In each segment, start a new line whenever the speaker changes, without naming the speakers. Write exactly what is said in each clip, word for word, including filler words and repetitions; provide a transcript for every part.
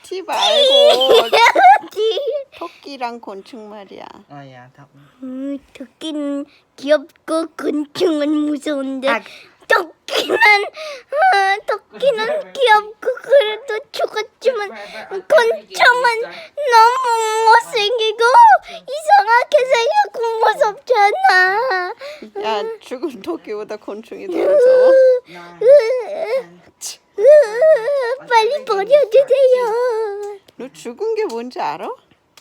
티 말고
티.
토끼랑 곤충 말이야.
어야 다.
음, 토끼는 귀엽고 곤충은 무서운데
아.
토끼는 어, 토끼는 귀엽고 그래도 죽었지만 곤충은 너무 못생기고 이상하게 생겼고 무섭잖아.
야, 죽은 토끼보다 곤충이 더 무서워.
으, 빨리 버려주세요.
너 죽은 게 뭔지 알아?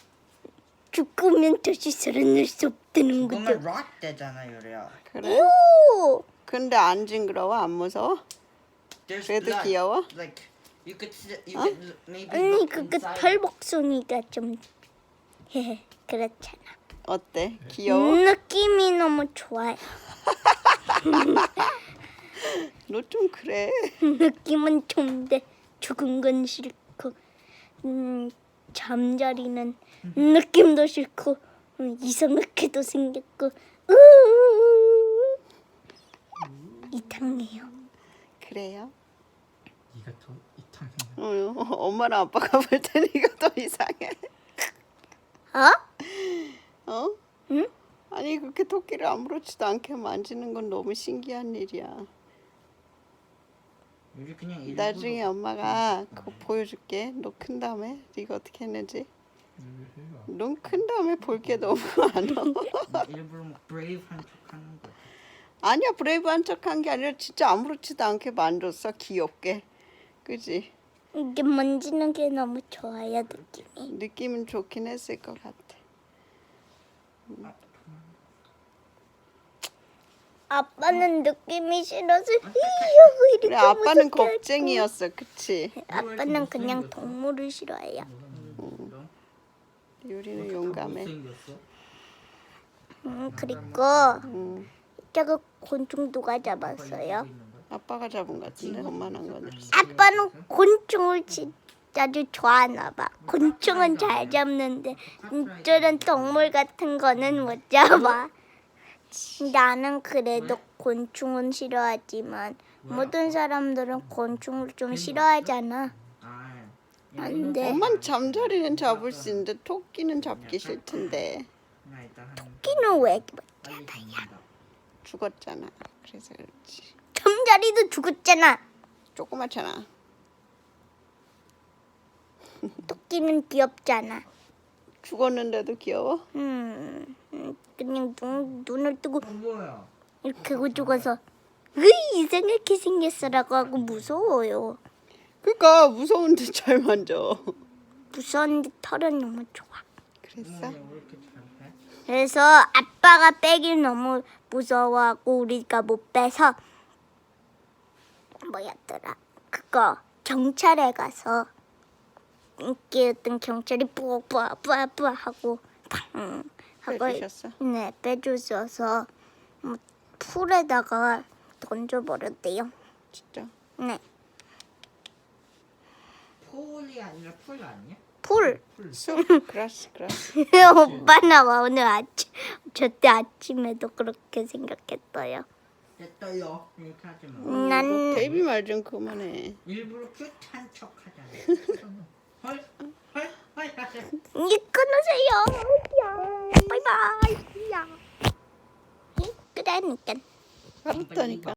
죽으면 다시 살아날 수 없다는
그러면
거죠.
락 되잖아 요리야.
그래?
오,
근데 안 징그러워? 안 무서워?
There's
그래도
blood.
귀여워?
Like you could see, you
어?
could maybe
아니
look
그그
inside.
털복숭이가 좀 그렇잖아.
어때? 귀여워?
느낌이 너무 좋아요.
너 좀 그래.
느낌은 좋은데 죽은 건 싫고, 음, 잠자리는 느낌도 싫고, 음, 이상하게도 생겼고, 으 이상해요.
그래요?
네가 더 이상해.
어, 엄마랑 아빠가 볼 때는 이거 더 이상해.
어?
어?
응?
아니 그렇게 토끼를 아무렇지도 않게 만지는 건 너무 신기한 일이야.
요리 그냥 일부러
나중에 엄마가 그거 보여줄게. 너 큰 다음에 네가 어떻게 했는지. 넌 큰 다음에 볼 게 너무 많아.
일부러 막 브레이브한 척하는 거야.
아니야, 브레이브한 척한 게 아니라 진짜 아무렇지도 않게 만졌어. 귀엽게. 그지?
이게 만지는 게 너무 좋아요, 느낌이.
느낌은 좋긴 했을 것 같아.
아빠는 느낌이 싫어서 이러고 이렇게
그래, 아빠는
무섭게 하고.
겁쟁이였어. 그치?
아빠는 그냥 동물을 싫어해요.
유리는 용감해.
음, 그리고
음,
저거 곤충 누가 잡았어요?
아빠가 잡은 것 같은데 엄마는 한 거는.
아빠는 곤충을 진짜 아주 좋아하나 봐. 곤충은 잘 잡는데 저런 동물 같은 거는 못 잡아. 나는 그래도 곤충은 싫어하지만 모든 사람들은 곤충을 좀 싫어하잖아. 안 돼.
엄마는 잠자리는 잡을 수 있는데 토끼는 잡기 싫던데.
토끼는 왜
죽었잖아. 그래서 그렇지.
잠자리도 죽었잖아.
조그맣잖아.
토끼는 귀엽잖아.
죽었는데도 귀여워?
음, 음, 그냥 눈, 눈을 뜨고
뭐야?
이렇게 하고 죽어서 으이 이상하게 생겼어라고 하고 무서워요.
그러니까 무서운데 잘 만져.
무서운데 털은 너무 좋아.
그랬어?
왜 이렇게 잘해?
그래서 아빠가 빼길 너무 무서워하고 우리가 못 빼서 뭐였더라 그거 경찰에 가서 인기 있던 경찰이 뿌뿌 뿌뿌 하고 팡 하고
빼주셨어?
네 빼주셔서 뭐 풀에다가 던져버렸대요.
진짜?
네
폴이 아니라 풀 아니야?
풀.
쑥? 그라스 그라스.
오빠는 오늘 아침 저때 아침에도 그렇게 생각했어요.
됐어요. 이렇게 하지 마.
음, 난
데이비 말 좀 그만해.
일부러 큐트한 척 하잖아. 헐, 헐, 헐 하자.
이제 끊으세요. 야, 바이바이. 야. 그러니까.
알았다니까.